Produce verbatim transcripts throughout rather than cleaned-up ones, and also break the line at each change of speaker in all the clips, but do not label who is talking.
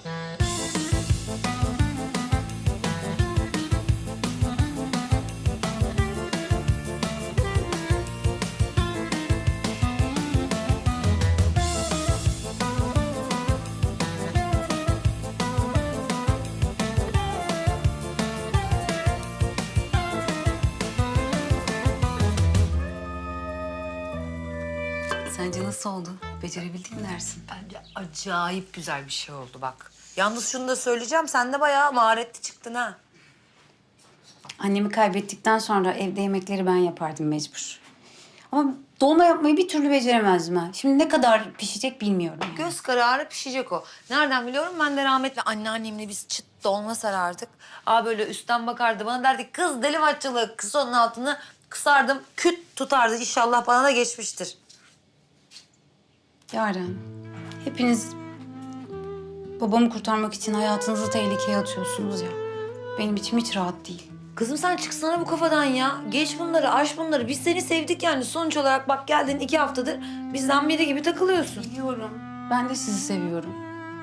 Sence nasıl oldu? Becerebildin mi dersin?
Bence acayip güzel bir şey oldu bak. Yalnız şunu da söyleyeceğim, sen de bayağı maharetli çıktın ha.
Annemi kaybettikten sonra evde yemekleri ben yapardım mecbur. Ama dolma yapmayı bir türlü beceremezdim ha. Şimdi ne kadar pişecek bilmiyorum. Yani.
Göz kararı pişecek o. Nereden biliyorum? Ben de rahmetli anneannemle biz çıt dolma sarardık. Aa böyle üstten bakardı bana derdi ki, kız deli maççılığı, kız onun altını kısardım, küt tutardı. İnşallah bana da geçmiştir.
Yaren, hepiniz babamı kurtarmak için hayatınızı tehlikeye atıyorsunuz ya. Benim içim hiç rahat değil.
Kızım sen çıksana bu kafadan ya. Geç bunları, aş bunları. Biz seni sevdik yani. Sonuç olarak bak geldin iki haftadır bizden biri gibi takılıyorsun.
Biliyorum. Ben de sizi seviyorum.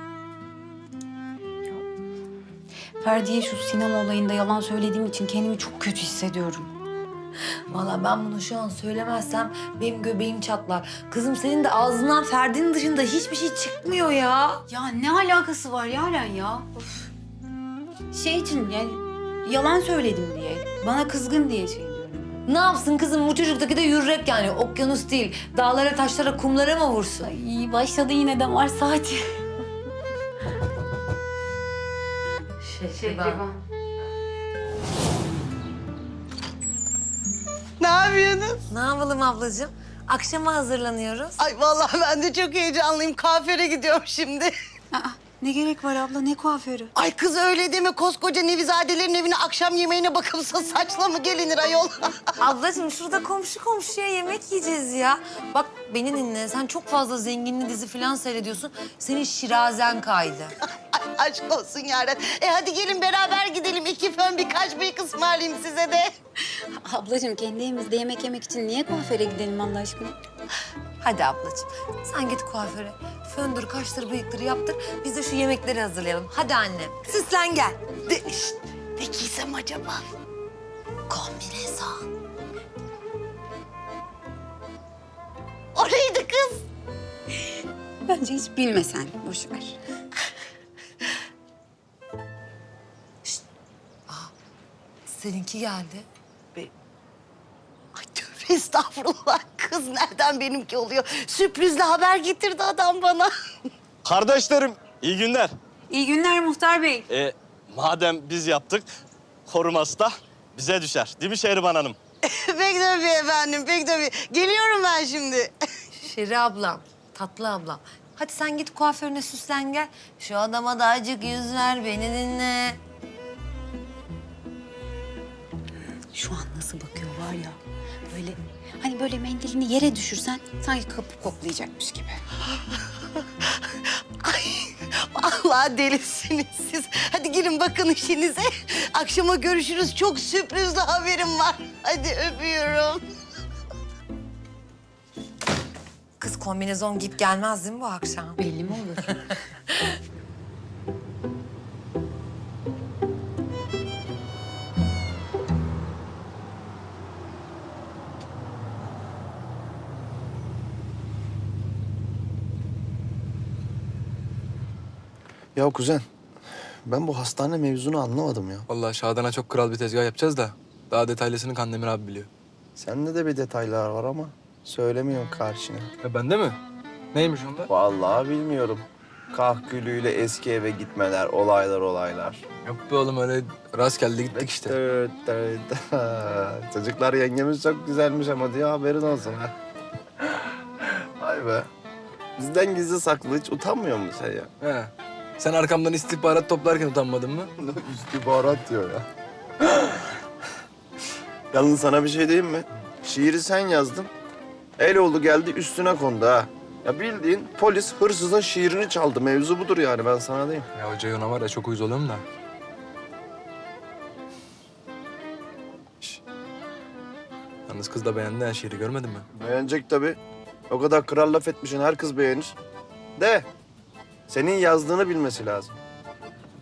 Ya, Ferdi'ye şu sinema olayında yalan söylediğim için kendimi çok kötü hissediyorum.
Vallahi ben bunu şu an söylemezsem benim göbeğim çatlar. Kızım senin de ağzından Ferdi'nin dışında hiçbir şey çıkmıyor ya.
Ya ne alakası var Yaren ya? Of. Şey için yani yalan söyledim diye, bana kızgın diye şey diyorum.
Ne yapsın kızım, bu çocuktaki de yürek yani, okyanus değil. Dağlara, taşlara, kumlara mı vursun?
Ay başladı yine de var saati.
Şehriban.
Ne yapıyorsunuz?
Ne yapalım ablacığım? Akşama hazırlanıyoruz.
Ay vallahi ben de çok heyecanlıyım. Kuaföre gidiyorum şimdi.
Aa, ne gerek var abla, ne kuaförü?
Ay kız öyle deme. Koskoca Nevizadelerin evine akşam yemeğine bakımsız saçla mı gelinir ayol?
Ablacığım şurada komşu komşuya yemek yiyeceğiz ya. Bak beni dinle, sen çok fazla zenginli dizi falan seyrediyorsun. Senin şirazen kaydı.
Ay, aşk olsun Yaren. E hadi gelin beraber gidelim. İki fön birkaç bıyık ısmarlayayım size de.
Ablacığım kendi evimizde yemek yemek için niye kuaföre gidelim Allah aşkına?
Hadi ablacığım, sen git kuaföre. Föndür, kaştır, bıyıktır yaptır. Biz de şu yemekleri hazırlayalım. Hadi annem, süslen gel.
De, şişt, ne giysem acaba?
Kombinezon.
O neydi kız?
Bence hiç bilme sen, boş ver.
Seninki geldi.
Ay tövbe estağfurullah. Kız nereden benimki oluyor? Sürprizle haber getirdi adam bana.
Kardeşlerim, iyi günler.
İyi günler Muhtar Bey.
Ee, madem biz yaptık, koruması da bize düşer. Değil mi Şehriban Hanım?
Pek tabii efendim, pek tabii. Geliyorum ben şimdi.
Şeri ablam, tatlı ablam. Hadi sen git kuaförüne süslen gel. Şu adama da acık yüz ver, beni dinle.
Şu an nasıl bakıyor var ya, böyle hani böyle mendilini yere düşürsen sanki kapı koklayacakmış gibi.
Ay vallahi delisiniz siz. Hadi girin bakın işinize. Akşama görüşürüz. Çok sürprizli haberim var. Hadi öpüyorum.
Kız kombinezon giyip gelmez değil mi bu akşam?
Belli mi olur?
Ya kuzen, ben bu hastane mevzunu anlamadım ya.
Vallahi Şadan'a çok kral bir tezgah yapacağız da daha detaylısını Kandemir abi biliyor.
Sende de bir detaylar var ama söylemiyorsun karşına.
Ya bende mi? Neymiş onda?
Vallahi bilmiyorum. Kahkülüyle eski eve gitmeler, olaylar olaylar.
Yok be oğlum öyle rastgele gittik işte.
Dıt dıt dıt. Çocuklar yengemiz çok güzelmiş ama diye haberin olsun ha. Vay be. Bizden gizli saklı hiç utanmıyor musun sen ya?
He. Sen arkamdan istihbarat toplarken utanmadın mı?
İstihbarat diyor ya. Yalnız sana bir şey diyeyim mi? Şiiri sen yazdın. El oldu geldi üstüne kondu ha. Ya bildiğin polis hırsızın şiirini çaldı. Mevzu budur yani ben sana diyeyim.
Ya hoca ona var ya çok uyuz oluyorum da. Şş. Yalnız kız da beğendi ha şiiri görmedin mi?
Beğenecek tabii. O kadar kral laf etmişsin her kız beğenir. De senin yazdığını bilmesi lazım.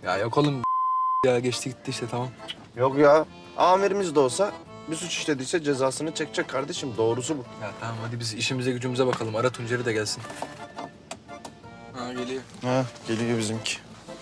Ya yok oğlum ya geçti gitti işte tamam.
Yok ya. Amirimiz de olsa bir suç işlediyse cezasını çekecek kardeşim. Doğrusu bu.
Ya tamam hadi biz işimize gücümüze bakalım. Ara Tuncer'i de gelsin. Ha geliyor.
Ha, geliyor bizimki.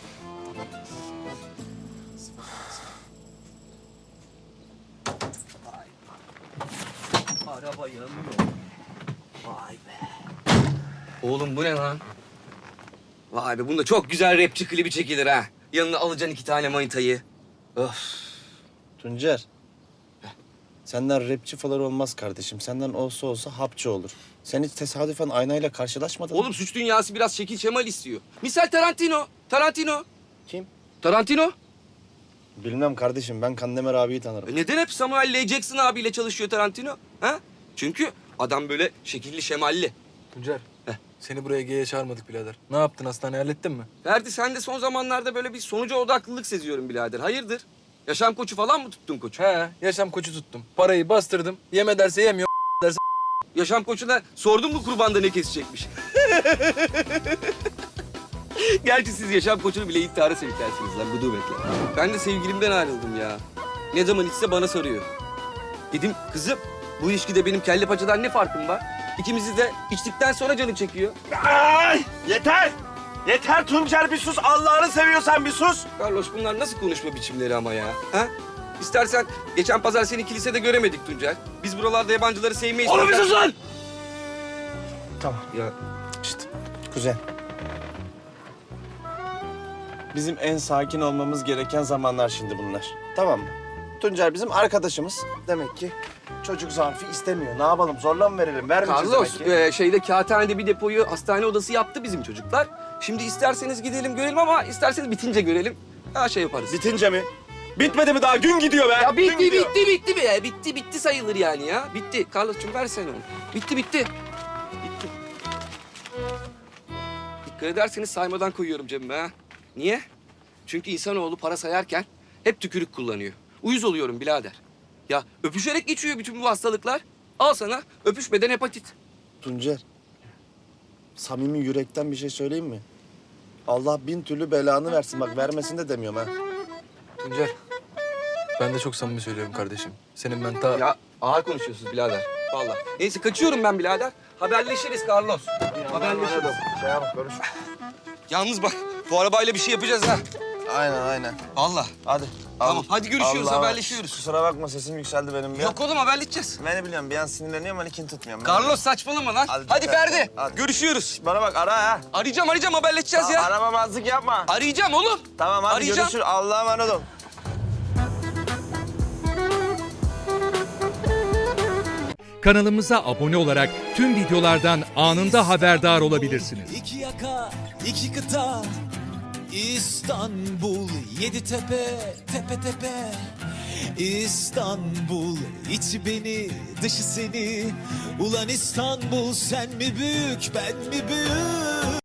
Araba yanıyor. Vay be. Oğlum bu ne lan? Vay be bunda çok güzel rapçi klibi çekilir ha. Yanına alacaksın iki tane manitayı. Öf.
Tuncer. Senden rapçi falan olmaz kardeşim. Senden olsa olsa hapçı olur. Sen hiç tesadüfen aynayla karşılaşmadın mı?
Oğlum suç dünyası biraz şekil şemal istiyor. Misal Tarantino. Tarantino.
Kim?
Tarantino.
Bilmem kardeşim. Ben Kandemir abiyi tanırım.
E neden hep Samuel L. Jackson abiyle çalışıyor Tarantino? Ha? Çünkü adam böyle şekilli şemalli.
Tuncer.
Heh.
Seni buraya G'ye çağırmadık birader. Ne yaptın hastaneye hallettin mi?
Ferdi sen de son zamanlarda böyle bir sonuca odaklılık seziyorum birader. Hayırdır? Yaşam koçu falan mı tuttun koçu?
He yaşam koçu tuttum. Parayı bastırdım. Yeme derse yemiyor. Derse
Yaşam koçuna sordun mu kurbanda ne kesecekmiş? Gerçi siz yaşam koçunu bile intihara sevklersiniz lan gudubetle. Ben de sevgilimden ayrıldım ya. Ne zaman içse bana soruyor. Dedim kızım bu ilişkide benim kelle paçadan ne farkım var? İkimizi de içtikten sonra canı çekiyor.
Ay! Yeter! Yeter Tuncer bir sus. Allah'ını seviyorsan bir sus.
Carlos bunlar nasıl konuşma biçimleri ama ya? Ha? İstersen geçen pazar seni kilisede göremedik Tuncer. Biz buralarda yabancıları sevmeyiz.
Oğlum bir
Tuncer.
sus lan! Tamam.
Ya
İşte kuzen. Bizim en sakin olmamız gereken zamanlar şimdi bunlar. Tamam mı? Tuncer bizim arkadaşımız. Demek ki çocuk zarfı istemiyor. Ne yapalım? Zorla mı verelim? Vermeyeceğiz
Carlos
demek ki.
e, şeyde kağıthanede bir depoyu hastane odası yaptı bizim çocuklar. Şimdi isterseniz gidelim görelim ama isterseniz bitince görelim. Daha şey yaparız.
Bitince mi? Bitmedi mi daha? Gün gidiyor be.
Ya
Gün
bitti
gidiyor.
bitti bitti be. Bitti bitti sayılır yani ya. Bitti. Carlos'cum versene onu. Bitti bitti. Bitti. Dikkat ederseniz saymadan koyuyorum cebime ha. Niye? Çünkü insanoğlu para sayarken hep tükürük kullanıyor. Uyuz oluyorum birader. Ya öpüşerek geçiyor bütün bu hastalıklar. Al sana öpüşmeden hepatit.
Tuncer. Samimi yürekten bir şey söyleyeyim mi? Allah bin türlü belanı versin. Bak vermesin de demiyorum ha.
Tuncer. Ben de çok samimi söylüyorum kardeşim. Senin ben ta...
Ya ağır konuşuyorsunuz birader. Vallahi. Neyse kaçıyorum ben birader. Haberleşiriz Carlos. Haberleşiriz.
Şey yap, konuş.
Yalnız bak bu arabayla bir şey yapacağız ha.
Aynen aynen.
Vallahi.
Hadi.
Tamam, hadi görüşüyoruz,
Allah'a-
haberleşiyoruz.
Kusura bakma sesim yükseldi benim bir an.
Yok oğlum haberleşeceğiz.
Ben ne biliyorum bir an sinirleniyorum hani kin tutmuyorum.
Carlos saçmalama lan.
Hadi,
Hadi,
hadi,
Ferdi.
hadi.
Görüşüyoruz.
Bana bak ara ha.
Arayacağım arayacağım haberleşeceğiz ya.
Aramamazlık yapma.
Arayacağım oğlum.
Tamam hadi
Arayacağım.
görüşürüz. Allah'a emanet ol.
Kanalımıza abone olarak tüm videolardan anında haberdar olabilirsiniz.
İki yaka, iki kıta, İstanbul, yedi tepe, tepe tepe. İstanbul, içi beni, dışı seni. Ulan İstanbul, sen mi büyük, ben mi büyük?